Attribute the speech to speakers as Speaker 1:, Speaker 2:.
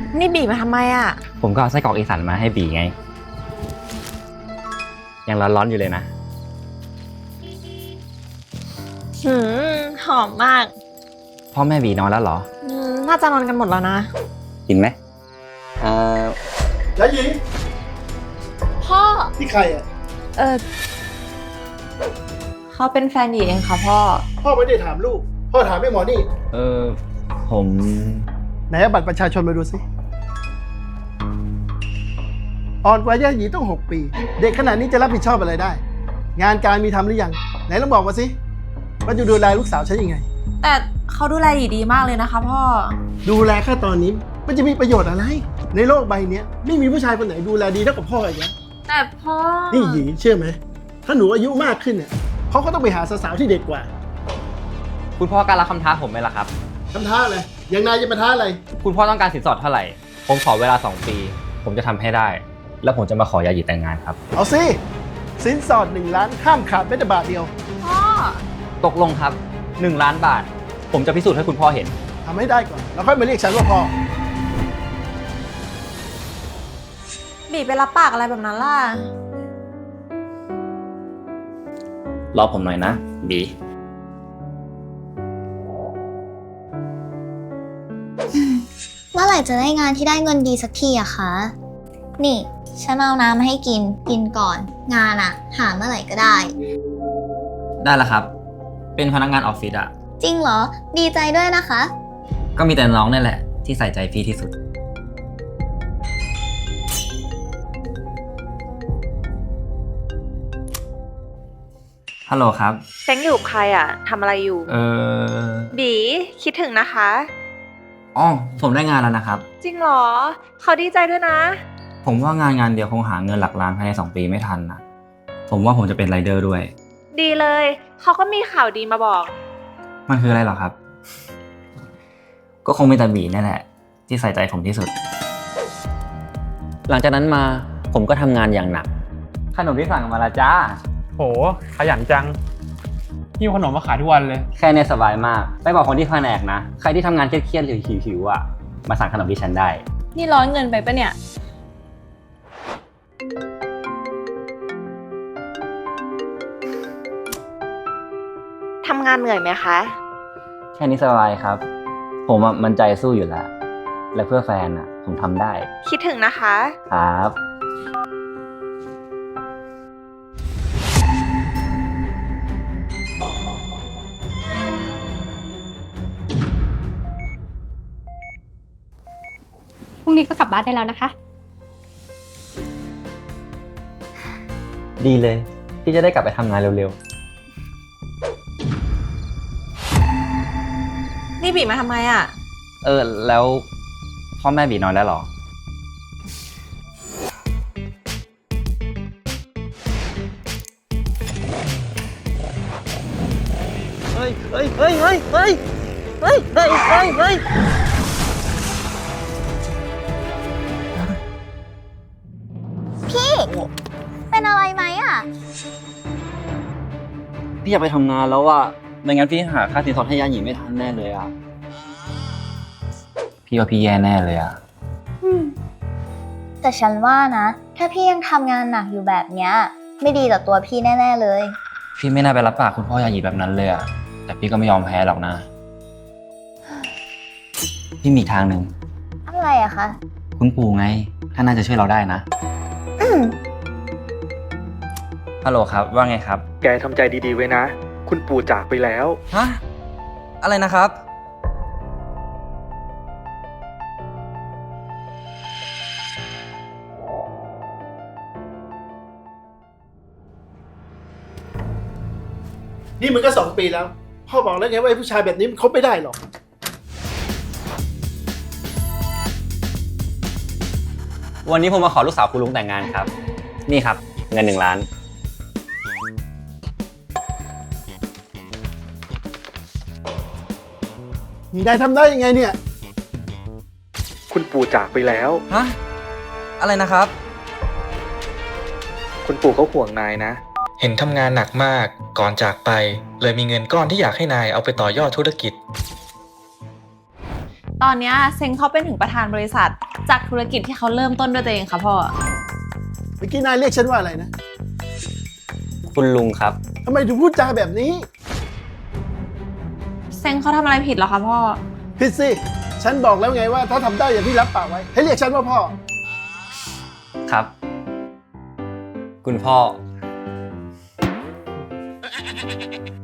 Speaker 1: นี่บีมาทำไมอ่ะ
Speaker 2: ผมก็เอาไส้กรอกอีสานมาให้บีไงยังร้อนๆอยู่เลยนะ
Speaker 1: หอมมาก
Speaker 2: พ่อแม่บีนอนแล้วเหรอ
Speaker 1: น่าจะนอนกันหมดแล้วนะ
Speaker 2: กินไหม
Speaker 3: แล้วหญิง
Speaker 1: พ่อ
Speaker 3: ที่ใครอ่ะ
Speaker 1: เขาเป็นแฟนหญิงเองค่ะพ่อ
Speaker 3: ไม่ได้ถามลูกพ่อถามไอ้หมอนี่
Speaker 2: ผม
Speaker 3: ไหนเอาบัตรประชาชนมาดูสิอ่อนกว่าย่าหยีต้อง6 ปีเด็กขนาดนี้จะรับผิดชอบอะไรได้ งานการมีทำหรือยังไหนลองบอกมาสิว่าจะดูแลลูกสาวฉันยังไง
Speaker 1: แต่เขาดูแลหยีดีมากเลยนะคะพ่อ
Speaker 3: ดูแลแค่ตอนนี้มันจะมีประโยชน์อะไรในโลกใบนี้ไม่มีผู้ชายคนไหนดูแลดีเท่ากับพ่ออีกแล้ว
Speaker 1: แต่พ่อ
Speaker 3: นี่หยีเชื่อไหมถ้าหนูอายุมากขึ้นเนี่ยเขาก็ต้องไปหาสาวๆที่เด็กกว่า
Speaker 2: คุณพ่อกล้ารับคำท้าผมไหมล่ะครับ
Speaker 3: คำท้าอะไรอย่างนายจะมาท้าอะไร
Speaker 2: คุณพ่อต้องการสินสอดเท่าไหร่ผมขอเวลา2 ปีผมจะทำให้ได้แล้วผมจะมาขอยาหยีแต่งงานครับ
Speaker 3: เอาสิสินสอด1 ล้านห้ามขาดแม้แต่บาทเดียว
Speaker 1: พ่อ
Speaker 2: ตกลงครับ1 ล้านบาทผมจะพิสูจน์ให้คุณพ่อเห็น
Speaker 3: ทำให้ได้ก่อนแล้วค่อยมาเรียกฉันว่าพ่อ
Speaker 1: บีไปรับปากอะไรแบบนั้นล่ะ
Speaker 2: รอผมหน่อยนะบี
Speaker 4: เมื่อไหร่จะได้งานที่ได้เงินดีสักทีอะคะนี่ฉันเอาน้ำมาให้กินก่อนงานอะหาเมื่อไหร่ก็ได้
Speaker 2: ได้แล้วครับเป็นพนักงานออฟฟิศอะ
Speaker 4: จริงเหรอดีใจด้วยนะคะ
Speaker 2: ก็มีแต่น้องนี่แหละที่ใส่ใจพี่ที่สุดฮัลโหลครับ
Speaker 1: เซ็งอยู่กับใครอ่ะทำอะไรอยู่บีคิดถึงนะคะ
Speaker 2: อ๋อผมได้งานแล้วนะครับ
Speaker 1: จริงเหรอเขาดีใจด้วยนะ
Speaker 2: ผมว่างานเดียวคงหาเงินหลักล้านภายใน2 ปีไม่ทันนะผมว่าผมจะเป็นไรเดอร์ด้วย
Speaker 1: ดีเลยเขาก็มีข่าวดีมาบอก
Speaker 2: มันคืออะไรหรอครับก็คงเป็นตาบีนั่นแหละที่ใส่ใจผมที่สุดหลังจากนั้นมาผมก็ทำงานอย่างหนักขนมที่สั่งมาละจ้า
Speaker 5: โหขยันจังหิ้วขนมมาขายทุกวันเลย
Speaker 2: แค่นี้สบายมากไปบอกคนที่แผนกนะใครที่ทำงานเครียดๆหรือหิวๆอ่ะมาสั่งขนมที่ฉันได้
Speaker 1: นี่ร้อนเงินไปปะเนี่ยทำงานเหนื่อยไหมคะ
Speaker 2: แค่นี้สบายครับผมมันใจสู้อยู่แล้วและเพื่อแฟนอ่ะผมทำได้
Speaker 1: คิดถึงนะคะ
Speaker 2: ครับ
Speaker 6: พรุ่งนี้ก็กลับบ้านได้แล้วนะคะ
Speaker 2: ดีเลยที่จะได้กลับไปทำงานเร็ว
Speaker 1: ๆนี่บีมาทำไมอ่ะ
Speaker 2: แล้วพ่อแม่บีนอนแล้วหรอเฮ้ย
Speaker 4: พี่เป็นอะไรไหมอะ
Speaker 2: พี่อยากไปทำงานแล้วอะไม่งั้นพี่หาค่าสินสอดให้ยาหยีไม่ทันแน่เลยอะพี่ว่าพี่แย่แน่เลยอะ
Speaker 4: แต่ฉันว่านะถ้าพี่ยังทำงานหนักอยู่แบบเนี้ยไม่ดีต่อตัวพี่แน่ๆเลย
Speaker 2: พี่ไม่น่าไปรับปากคุณพ่อยาหยีแบบนั้นเลยอะแต่พี่ก็ไม่ยอมแพ้หรอกนะพี่มีทางหนึ่ง
Speaker 4: อะไรอะคะ
Speaker 2: คุณปู่ไงท่านน่าจะช่วยเราได้นะฮัลโหลครับว่าไงครับ
Speaker 5: แกทำใจดีๆไว้นะคุณปู่จากไปแล้ว
Speaker 2: ฮะอะไรนะครับ
Speaker 3: นี่มันก็2 ปีแล้วพ่อบอกแล้วไงว่าผู้ชายแบบนี้มันคบไม่ได้หรอก
Speaker 2: วันนี้ผมมาขอลูกสาวคุณลุงแต่งงานครับนี่ครับเงิน1 ล้าน
Speaker 3: นี่นายทำได้ยังไงเนี่ย
Speaker 5: คุณปู่จากไปแล้ว
Speaker 2: ฮะอะไรนะครับ
Speaker 5: คุณปู่เขาห่วงนายนะเห็นทำงานหนักมากก่อนจากไปเลยมีเงินก้อนที่อยากให้นายเอาไปต่อยอดธุรกิจ
Speaker 1: ตอนนี้เซ็งเขาเป็นถึงประธานบริษัท
Speaker 7: จากธุรกิจที่เขาเริ่มต้นด้วยตัวเองค่ะพ่อ
Speaker 3: เมื่อกี้นายเรียกฉันว่าอะไรนะ
Speaker 2: คุณลุงครับ
Speaker 3: ทำไมถึงพูดจาแบบนี้
Speaker 7: เซ็งเขาทำอะไรผิดเหรอคะพ่อ
Speaker 3: ผิดสิ ฉันบอกแล้วไงว่าถ้าทำได้อย่างที่รับปากไว้ ให้เรียกฉันว่าพ่อ
Speaker 2: ครับ คุณพ่อ